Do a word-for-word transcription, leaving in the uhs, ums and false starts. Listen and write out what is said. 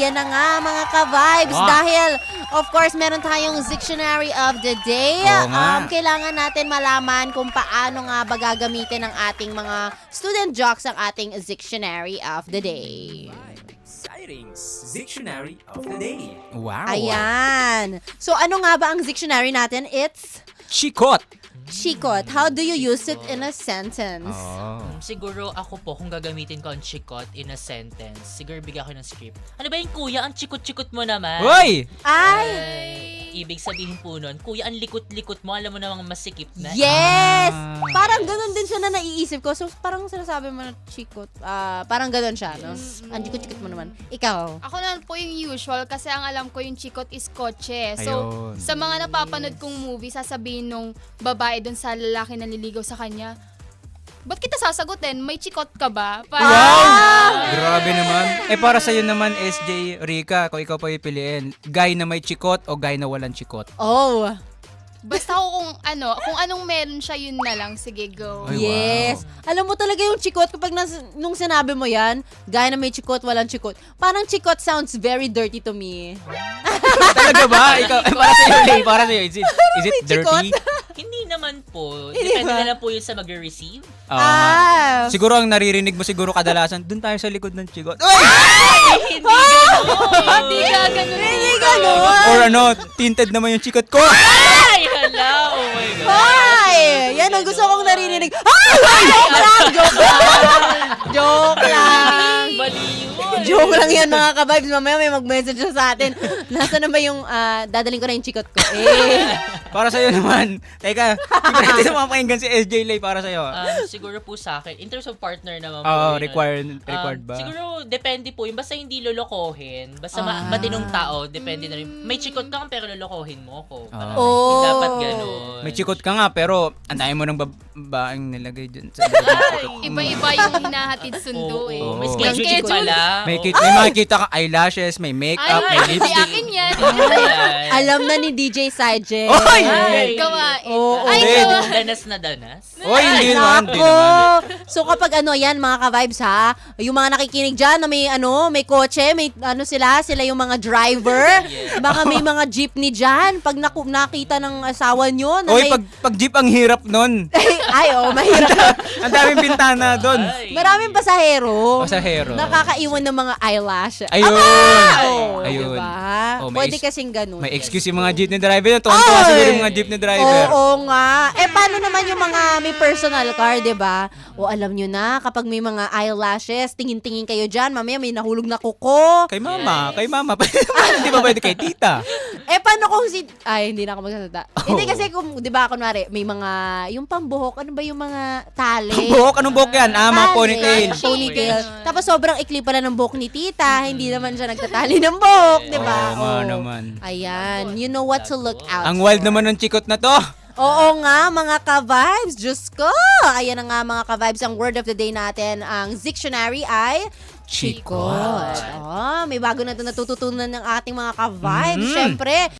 ayan na nga mga ka-vibes. Wow. Dahil, of course, meron tayong Dictionary of the Day. Oo nga. Um, kailangan natin malaman kung paano nga ba gagamitin ng ating mga student jocks ang ating Dictionary of the Day. Exciting Dictionary of the Day. Wow. Ayan. So, ano nga ba ang dictionary natin? It's Chikot. chikot. How do you use it in a sentence? Oh. Siguro ako po, kung gagamitin ko ang chikot in a sentence, siguro bigyan ko ng script. Ano ba yung kuya? Ang chikot-chikot mo naman. Hoy! Ay! Ay, ibig sabihin po nun, kuya, ang likot-likot mo, alam mo namang masikip na. Yes! Ah. Parang ganun din siya na naiisip ko. So, parang sinasabi mo na chikot. Ah, parang ganun siya, no? Ang chikot-chikot mo naman. Ikaw? Ako naman po yung usual kasi ang alam ko yung chikot is kotse. So, Ayun. sa mga napapanood kong movie, sasabihin nung babae dun sa lalaki na naliligaw sa kanya, ba't kita sasagutin? May chikot ka ba? Parang, Wow! Grabe naman. Eh para sa'yo naman, S J, Rika, kung ikaw pa pipiliin, guy na may chikot o guy na walang chikot? Oh, Basta ako kung ano, kung anong meron siya, yun na lang. Sige, go. Ay, yes. Alam mo talaga yung chikot, kapag nas, nung sinabi mo yan, gaya na may chikot, walang chikot, parang chikot sounds very dirty to me. Talaga ba? Ikaw, eh, para sa'yo, Lay, para sa'yo, is it, is it May chikot? dirty? Hindi naman po. Hindi Depende ba? na lang po yun sa mag-receive. Oo nga. Ah. Siguro ang naririnig mo siguro kadalasan, dun tayo sa likod ng chikot. Hindi gano'n. Hindi ka ganun. Hindi ganun. Or ano, tinted naman yung chikot ko. Ay, hala. Oh my God. Ay! Yan ang gusto kong naririnig. Ay! Joke lang! Joke lang! Joke lang! Mali yun. Joke lang yan mga ka-vibes. Mamaya may mag-message siya sa atin. Nasaan na ba yung, ah, dadaling ko na yung chikot ko? Eh. Para sa'yo naman. Teka, hindi ko natin mapakinggan si S J Lay para sa'yo. Um, siguro po sa akin, in terms of partner naman po. Oo, yun, required, um, required ba? Siguro, depende po. Yung basta hindi lolokohin. Basta ma- Ah. matinong tao, depende na rin. May chikot ka pero lolokohin mo ako. Parang, Oh. hindi dapat ganun. May chikot ka nga, pero ang dami mo ng babaeng nilagay dyan sa likod ng chikot. Iba-iba yung hinahatid sundo Oo, eh. oo. May Oh. schedule Schedule. pala. May, Oo. kit- may makikita ka eyelashes, may makeup, may Ay, lipstick. akin yan. Ayan. Alam na ni D J Sajet. Oy! Ay, Gawain. Oo. Ay, Hindi. gawain. Danas na danas. Oy, hindi naman, hindi Nako! naman. So kapag ano yan mga ka-vibes ha, yung mga nakikinig dyan na may ano, may kotse, may ano sila, sila yung mga driver. Yeah. Baka may mga jeepney dyan. Pag naku- nakita ng asawa nyo na Oy, may... pag, pag jeep ang hirap nun. Ay, oh, mahirap. Ang daming bintana doon. Ay. Maraming pasahero. Pasahero. Nakakaiwan ng mga eyelash. Ayun. Oh, Ayun. diba? Oh, may Pwede is- kasing ganun. May excuse yung mga jeepney driver yun. Tuwan-tuwa Ay! siguro yung mga jeepney driver. Oo nga. Eh, paano naman yung mga may personal car, di ba? O alam nyo na, kapag may mga eyelashes, tingin-tingin kayo dyan, mamaya may nahulog na kuko. Kay mama, kay mama. Hindi ba pwede kay tita? Eh, paano kung si... Ay, hindi na ako magsasalita. Oh. Hindi kasi kung, di ba, kunwari, may mga, yung pambuhok, ano ba yung mga tali? Ang buhok, anong buhok yan? Ah, mga Tali. ponytail. Ponytail. Tapos sobrang ikli pala ng buhok ni tita, hindi naman siya nagtatali ng buhok, di ba? Oo nga naman. Ayan, you know what to look out Ang wild for. naman ng chikot na to. Oo nga, mga ka-vibes. Diyos ko! Ayan na nga, mga ka-vibes. Ang word of the day natin, ang dictionary ay chikot. Oh, may bago na ito natututunan ng ating mga ka-vibes. Mm. Siyempre,